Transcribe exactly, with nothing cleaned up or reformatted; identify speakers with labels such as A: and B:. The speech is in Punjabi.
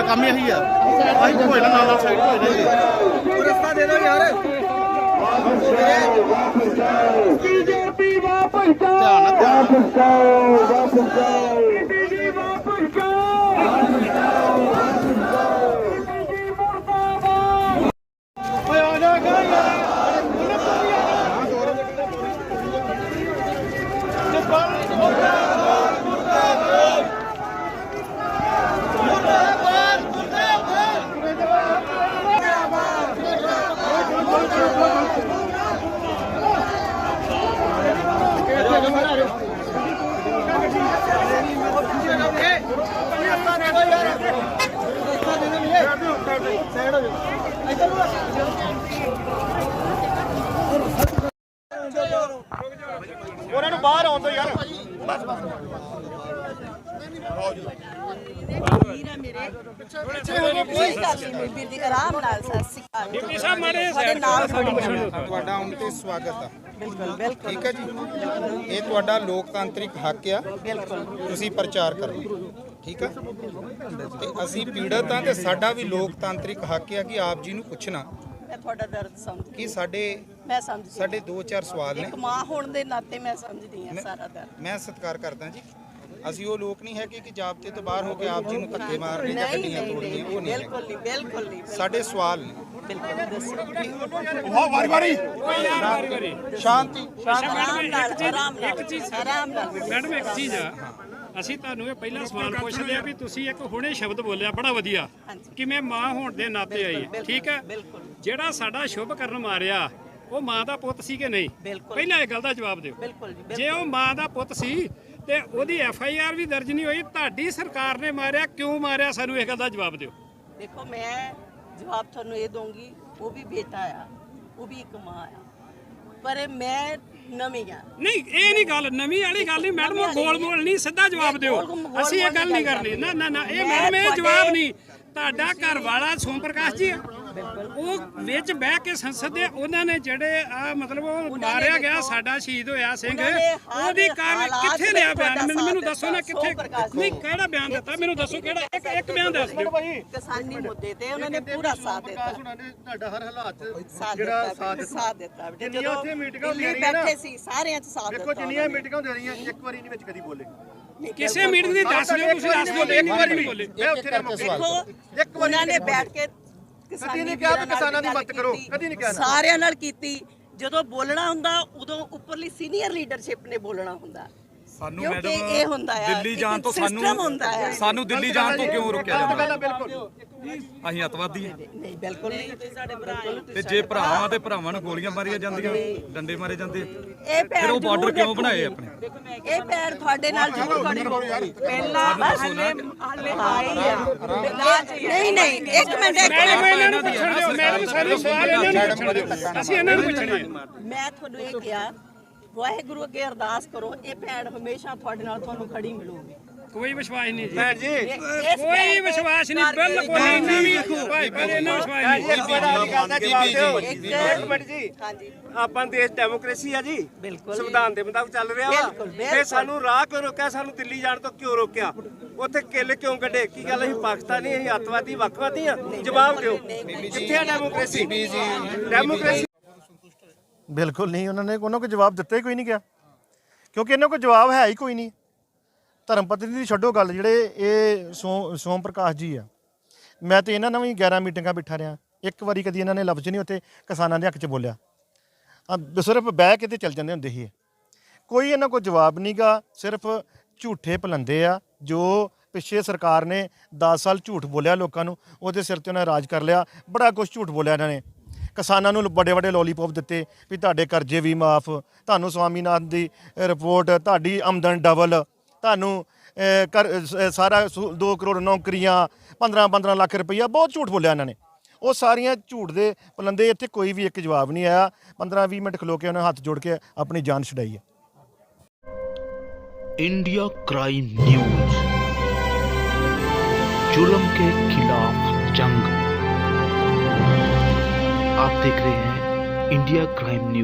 A: ਕੰਮ ਹੀ ਇਹੀ ਆ ਅਸੀਂ ਕੋਈ ਨਾ ਨਾਲ ਨਾਲ ਸਾਈਡ ਹੋ ਜਾਈਏ ਰਸਤਾ ਦੇ ਦਿਓ ਯਾਰ
B: ਬੀਜੇਪੀ ਵਾਪਸ ਜਾਓ
A: ਧਿਆਨ ਨਾਲ
B: ਵਾਪਸ ਜਾਓ ਵਾਪਸ ਜਾਓ ਬੀਜੇਪੀ ਵਾਪਸ ਜਾਓ ਵਾਪਸ ਜਾਓ ਵਾਪਸ ਜਾਓ ਬੀਜੇਪੀ ਮੁਰਦਾਬਾਦ
A: ਓਏ ਆ ਜਾ ਗਾ ਯਾਰ ਉਹਨਾਂ ਨੂੰ ਬਾਹਰ ਆਉਣ ਤੋਂ ਯਾਰ ਬਸ ਬਸ
C: ਵੀਰਾ ਮੇਰੇ ਕੋਈ ਗੱਲ ਨਹੀਂ ਵੀਰ ਦੀ ਆਰਾਮ ਨਾਲ ਸਤਿ ਸ਼੍ਰੀ ਅਕਾਲ
D: ਡਿਪਟੀ ਸਾਹਿਬ ਮਾਰੇ
C: ਸਾਡੇ ਨਾਲ ਖੜੀ
E: ਤੁਹਾਡਾ ਆਉਣ ਤੇ ਸਵਾਗਤ ਆ
C: ਬਿਲਕੁਲ ਬਿਲਕੁਲ
E: ਠੀਕ ਹੈ ਜੀ ਇਹ ਤੁਹਾਡਾ ਲੋਕਤਾਂਤਰਿਕ ਹੱਕ ਆ
C: ਬਿਲਕੁਲ
E: ਤੁਸੀਂ ਪ੍ਰਚਾਰ ਕਰੋ ਠੀਕ ਆ ਤੇ ਅਸੀਂ ਪੀੜਤ ਆ ਤੇ ਸਾਡਾ ਵੀ ਲੋਕਤਾਂਤਰਿਕ ਹੱਕ ਆ ਕਿ ਆਪ ਜੀ ਨੂੰ ਪੁੱਛਣਾ
C: ਮੈਂ ਤੁਹਾਡਾ ਦਰਦ ਸਮਝ
E: ਕਿ ਸਾਡੇ
C: ਮੈਂ ਸਮਝਦੀ
E: ਸਾਡੇ ਦੋ ਚਾਰ ਸਵਾਲ ਨੇ
C: ਇੱਕ ਮਾਂ ਹੋਣ ਦੇ ਨਾਤੇ ਮੈਂ ਸਮਝਦੀ ਹਾਂ ਸਾਰਾ ਦਰਦ
E: ਮੈਂ ਸਤਿਕਾਰ ਕਰਦਾ ਜੀ ਅਸੀਂ ਉਹ ਲੋਕ ਨਹੀਂ ਹੈਗੇ ਕਿ ਜਾਬਤੇ ਤੋਂ ਬਾਹਰ ਹੋ ਕੇ ਆਪ ਜੀ ਨੂੰ ਧੱਕੇ ਮਾਰਨੇ ਜਾਂ
C: ਨਹੀਂ
E: ਗੱਡੀਆਂ
C: ਨਹੀਂ
E: ਤੋੜਨੀਆਂ ਉਹ ਨਹੀਂ ਹੈਗੇ।
C: ਬਿਲਕੁਲ ਨਹੀਂ ਬਿਲਕੁਲ ਨਹੀਂ
E: ਸਾਡੇ ਸਵਾਲ ਨੇ
C: ਬਿਲਕੁਲ ਦੱਸੋ
A: ਉਹ ਵਾਰੀ ਵਾਰੀ
E: ਸ਼ਾਂਤੀ
C: ਆਰਾਮ ਨਾਲ ਆਰਾਮ ਨਾਲ
D: ਇੱਕ ਚੀਜ਼
C: ਆਰਾਮ ਨਾਲ
D: ਮੈਡਮ ਇੱਕ ਚੀਜ਼ ਆ ਅਸੀਂ ਤੁਹਾਨੂੰ ਇਹ ਪਹਿਲਾ ਸਵਾਲ ਪੁੱਛਦੇ ਆ ਵੀ ਤੁਸੀਂ ਇੱਕ ਹੁਣੇ ਸ਼ਬਦ ਬੋਲਿਆ ਬੜਾ ਵਧੀਆ ਕਿ ਮੈਂ ਮਾਂ ਹੋਣ ਦੇ ਨਾਤੇ ਆਈ ਠੀਕ ਹੈ
C: ਬਿਲਕੁਲ
D: ਜਿਹੜਾ ਸਾਡਾ ਸ਼ੁਭ ਕਰਨ ਮਾਰਿਆ ਉਹ ਮਾਂ ਦਾ ਪੁੱਤ ਸੀ ਕਿ ਨਹੀਂ
C: ਬਿਲਕੁਲ
D: ਪਹਿਲਾਂ ਇਹ ਗੱਲ ਦਾ ਜਵਾਬ ਦਿਓ
C: ਬਿਲਕੁਲ ਜੀ
D: ਜੇ ਉਹ ਮਾਂ ਦਾ ਪੁੱਤ ਸੀ ਤੇ ਉਹਦੀ ਐਫ ਆਈ ਆਰ ਵੀ ਦਰਜ ਨਹੀਂ ਹੋਈ ਤੁਹਾਡੀ ਸਰਕਾਰ ਨੇ ਮਾਰਿਆ ਕਿਉਂ ਮਾਰਿਆ ਸਾਨੂੰ ਇਹ ਗੱਲ ਦਾ ਜਵਾਬ ਦਿਓ
C: ਦੇਖੋ ਮੈਂ ਜਵਾਬ ਤੁਹਾਨੂੰ ਇਹ ਦਊਂਗੀ ਉਹ ਵੀ ਬੇਟਾ ਆ ਉਹ ਵੀ ਇੱਕ ਮਾਂ ਆ ਪਰ ਮੈਂ ਨਵੀਂ ਆ
D: ਨਹੀਂ ਇਹ ਨਹੀਂ ਗੱਲ ਨਵੀਂ ਵਾਲੀ ਗੱਲ ਨਹੀਂ ਮੈਡਮ ਉਹ ਗੋਲ ਮੋਲ ਨਹੀਂ ਸਿੱਧਾ ਜਵਾਬ ਦਿਓ ਅਸੀਂ ਇਹ ਗੱਲ ਨਹੀਂ ਕਰਨੀ ਨਾ ਨਾ ਨਾ ਇਹ ਮੈਡਮ ਇਹ ਜਵਾਬ ਨਹੀਂ ਤੁਹਾਡਾ ਘਰ ਵਾਲਾ ਸੋਮ ਪ੍ਰਕਾਸ਼ ਜੀ ਆ ਉਹ ਵਿੱਚ ਬਹਿ ਕੇ ਸੰਸਦ ਦੇ ਉਹਨਾਂ ਨੇ ਜਿਹੜੇ ਆ ਮਤਲਬ ਉਹ ਮਾਰਿਆ ਗਿਆ ਸਾਡਾ ਸ਼ਹੀਦ ਹੋਇਆ ਸਿੰਘ ਉਹਦੀ ਕਾਰ ਕਿੱਥੇ ਲਿਆ ਬਿਆਨ ਮੈਨੂੰ ਮੈਨੂੰ ਦੱਸੋ ਨਾ ਕਿੱਥੇ ਨਹੀਂ ਕਿਹੜਾ ਬਿਆਨ ਦਿੱਤਾ ਮੈਨੂੰ ਦੱਸੋ ਕਿਹੜਾ ਇੱਕ ਇੱਕ ਬਿਆਨ ਦੱਸ ਦਿਓ
C: ਕਿਸਾਨੀ ਮੁੱਦੇ ਤੇ ਉਹਨਾਂ ਨੇ ਪੂਰਾ ਸਾਥ ਦਿੱਤਾ
A: ਉਹਨਾਂ ਨੇ ਤੁਹਾਡਾ ਹਰ ਹਾਲਾਤ
C: ਸਾਥ
A: ਜਿਹੜਾ
C: ਦਿੱਤਾ
A: ਸਾਥ
C: ਬਿਲਕੁਲ, ਸਾਥ ਦਿੱਤਾ ਬੇਟੇ
A: ਜਿੰਨੀਆਂ
C: ਜਦੋਂ
A: ਉੱਥੇ ਮੀਟਿੰਗਾਂ
C: ਦਿੱਲੀ
A: ਹੁੰਦੀਆਂ ਰਹੀਆਂ ਨਾ,
C: ਬੈਠੇ ਸੀ ਸਾਰਿਆਂ ਚ ਸਾਥ
A: ਦੇਖੋ
C: ਦਿੱਤਾ
A: ਜਿੰਨੀਆਂ ਮੀਟਿੰਗਾਂ ਹੁੰਦੀਆਂ ਰਹੀਆਂ ਇੱਕ ਵਾਰੀ ਨਹੀਂ ਵਿੱਚ ਕਦੀ ਬੋਲੇ
C: ਨਹੀਂ,
D: ਕਿਸੇ ਮੀਟਿੰਗ ਦੀ ਦੱਸ ਦਿਓ ਤੁਸੀਂ ਦੱਸ ਦਿਓ ਇੱਕ ਵਾਰੀ ਨਹੀਂ ਬੋਲੇ
A: ਮੈਂ ਉੱਥੇ ਨਾ
C: ਦੇਖੋ
A: ਇੱਕ ਵਾਰੀ
C: ਉਹਨਾਂ ਨੇ ਬੈਠ ਕੇ
A: ਕਦੀ ਨਹੀਂ ਕਿਹਾ ਵੀ ਕਿਸਾਨਾਂ ਦੀ ਮਦਦ ਕਰੋ ਕਦੀ ਨਹੀਂ ਕਿਹਾ
C: ਸਾਰਿਆਂ ਨਾਲ ਕੀਤੀ ਜਦੋਂ ਬੋਲਣਾ ਹੁੰਦਾ ਉਦੋਂ ਉੱਪਰਲੀ ਸੀਨੀਅਰ ਲੀਡਰਸ਼ਿਪ ਨੇ ਬੋਲਣਾ ਹੁੰਦਾ
F: ਸਾਨੂੰ
C: ਕਿਉਂਕਿ
F: ਮੈਡਮ
C: ਇਹ ਹੁੰਦਾ ਆ
F: ਦਿੱਲੀ ਜਾਣ ਤੋਂ
C: system
F: ਸਾਨੂੰ
C: ਹੁੰਦਾ ਆ
F: ਸਾਨੂੰ ਦਿੱਲੀ ਜਾਣ ਤੋਂ ਕਿਉਂ ਰੋਕਿਆ
A: ਗੱਲ
F: ਜਾਂਦਾ
A: ਬਿਲਕੁਲ
F: ਅਸੀਂ ਅੱਤਵਾਦੀ ਹਾਂ
C: ਨਹੀਂ ਬਿਲਕੁਲ ਨਹੀਂ ਤੁਸੀਂ ਸਾਡੇ ਭਰਾ
F: ਤੇ ਜੇ ਭਰਾਵਾਂ ਤੇ ਭਰਾਵਾਂ ਨੂੰ ਗੋਲੀਆਂ ਮਾਰੀਆਂ ਜਾਂਦੀਆਂ ਡੰਡੇ ਮਾਰੇ ਜਾਂਦੇ
C: ਇਹ
F: ਫਿਰ
C: ਪੈਰ
F: ਉਹ ਬਾਰਡਰ
C: ਜ਼ਰੂਰ
F: ਕਿਉਂ ਬਣਾਏ
C: ਦੇਖੋ।
F: ਆਪਣੇ
C: ਇਹ ਪੈਰ ਤੁਹਾਡੇ ਨਾਲ ਜ਼ਰੂਰ ਖੜੇ ਪਹਿਲਾਂ ਹਲੇ ਹਲੇ ਆਈ ਆ ਨਹੀਂ ਨਹੀਂ ਇੱਕ ਮਿੰਟ ਇੱਕ
D: ਮੈਡਮ
C: ਮਿੰਟ
D: ਇਹਨਾਂ ਨੂੰ ਪੁੱਛਣ ਦਿਓ ਮੈਡਮ ਸਾਰੇ ਸਵਾਲ ਇਹਨਾਂ ਨੂੰ ਪੁੱਛਣ ਦਿਓ ਅਸੀਂ ਇਹਨਾਂ ਨੂੰ ਪੁੱਛਣੇ ਆ
C: ਮੈਂ ਤੁਹਾਨੂੰ ਇਹ ਕਿਹਾ ਵਾਹਿਗੁਰੂ ਅੱਗੇ ਅਰਦਾਸ ਕਰੋ ਇਹ ਭੈਣ ਹਮੇਸ਼ਾ ਤੁਹਾਡੇ ਨਾਲ ਤੁਹਾਨੂੰ ਖੜੀ ਮਿਲੂਗੀ
D: ਕੋਈ ਵਿਸ਼ਵਾਸ ਨਹੀਂ ਜੀ
A: ਭੈਣ ਜੀ
C: ਇਸ
D: ਕੋਈ
C: ਭੈਣ
D: ਵਿਸ਼ਵਾਸ ਨਹੀਂ
C: ਕਰਕੇ
D: ਬਿਲਕੁਲ ਇੰਨਾ ਵੀ ਭਾਈ ਭਾਈ ਇੰਨਾ ਵਿਸ਼ਵਾਸ ਨਹੀਂ
A: ਇੱਕ ਵਾਰੀ ਗੱਲ ਦਾ ਜਵਾਬ ਦਿਓ
C: ਇੱਕ
A: ਇੱਕ ਮਿੰਟ ਜੀ
C: ਹਾਂਜੀ
A: ਆਪਾਂ ਦੇਸ਼ ਡੈਮੋਕ੍ਰੇਸੀ ਆ ਜੀ
C: ਬਿਲਕੁਲ
A: ਸੰਵਿਧਾਨ ਦੇ ਮੁਤਾਬਕ ਚੱਲ ਰਿਹਾ ਵਾ
C: ਬਿਲਕੁਲ, ਬਿਲਕੁਲ।
A: ਤੇ ਸਾਨੂੰ ਰਾਹ ਕਿਉਂ ਰੋਕਿਆ ਸਾਨੂੰ ਦਿੱਲੀ ਜਾਣ ਤੋਂ ਕਿਉਂ ਰੋਕਿਆ ਉੱਥੇ ਕਿੱਲ ਕਿਉਂ ਕੱਢੇ ਕੀ ਗੱਲ ਅਸੀਂ ਪਾਕਿਸਤਾਨੀ ਅਸੀਂ ਅੱਤਵਾਦੀ ਵੱਖਵਾਦੀ ਆ ਜਵਾਬ ਦਿਓ ਕਿੱਥੇ ਆ ਡੈਮੋਕ੍ਰੇਸੀ ਡੈਮੋਕ੍ਰੇਸੀ
G: ਬਿਲਕੁਲ ਨਹੀਂ ਉਹਨਾਂ ਨੇ ਉਹਨਾਂ ਕੋਈ ਜਵਾਬ ਦਿੱਤਾ ਹੀ ਕੋਈ ਨਹੀਂ ਗਿਆ ਕਿਉਂਕਿ ਇਹਨਾਂ ਕੋਲ ਜਵਾਬ ਹੈ ਹੀ ਕੋਈ ਨਹੀਂ ਧਰਮ ਪਤਨੀ ਦੀ ਛੱਡੋ ਗੱਲ ਜਿਹੜੇ ਇਹ ਸੋ ਸੋਮ ਪ੍ਰਕਾਸ਼ ਜੀ ਆ ਮੈਂ ਤੇ ਇਹਨਾਂ ਨਾਲ ਵੀ ਗਿਆਰਾਂ ਮੀਟਿੰਗਾਂ ਬਿਠਾ ਰਿਹਾ ਇੱਕ ਵਾਰੀ ਕਦੀ ਇਹਨਾਂ ਨੇ ਲਫ਼ਜ਼ ਨਹੀਂ ਉੱਥੇ ਕਿਸਾਨਾਂ ਦੇ ਹੱਕ 'ਚ ਬੋਲਿਆ ਆ ਸਿਰਫ ਬਹਿ ਕੇ ਤੇ ਚੱਲ ਜਾਂਦੇ ਹੁੰਦੇ ਸੀ ਕੋਈ ਇਹਨਾਂ ਕੋਲ ਜਵਾਬ ਨਹੀਂਗਾ ਸਿਰਫ ਝੂਠੇ ਪਲੰਦੇ ਆ ਜੋ ਪਿੱਛੇ ਸਰਕਾਰ ਨੇ ਦਸ ਸਾਲ ਝੂਠ ਬੋਲਿਆ ਲੋਕਾਂ ਨੂੰ ਉਹਦੇ ਸਿਰ ਤੇ ਉਹਨਾਂ ਰਾਜ ਕਰ ਲਿਆ ਬੜਾ ਕੁਝ ਝੂਠ ਬੋਲਿਆ ਇਹਨਾਂ ਨੇ ਕਿਸਾਨਾਂ ਨੂੰ ਵੱਡੇ ਵੱਡੇ ਲੋਲੀਪੌਪ ਦਿੱਤੇ ਵੀ ਤੁਹਾਡੇ ਕਰਜ਼ੇ ਵੀ ਮਾਫ ਤੁਹਾਨੂੰ ਸਵਾਮੀਨਾਥਨ ਦੀ ਰਿਪੋਰਟ ਤੁਹਾਡੀ ਆਮਦਨ ਡਬਲ ਤੁਹਾਨੂੰ ਕਰ ਸਾਰਾ ਦੋ ਕਰੋੜ ਨੌਕਰੀਆਂ ਪੰਦਰਾਂ ਪੰਦਰਾਂ ਲੱਖ ਰੁਪਈਆ ਬਹੁਤ ਝੂਠ ਬੋਲਿਆ ਇਹਨਾਂ ਨੇ ਉਹ ਸਾਰੀਆਂ ਝੂਠ ਦੇ ਪਲੰਦੇ ਇੱਥੇ ਕੋਈ ਵੀ ਇੱਕ ਜਵਾਬ ਨਹੀਂ ਆਇਆ ਪੰਦਰਾਂ ਵੀਹ ਮਿੰਟ ਖਲੋ ਕੇ ਉਹਨਾਂ ਹੱਥ ਜੋੜ ਕੇ ਆਪਣੀ ਜਾਨ ਛੁਡਾਈ ਹੈ
H: इंडिया क्राइम न्यूज, जुल्म के खिलाफ जंग। आप देख रहे हैं इंडिया क्राइम न्यूज।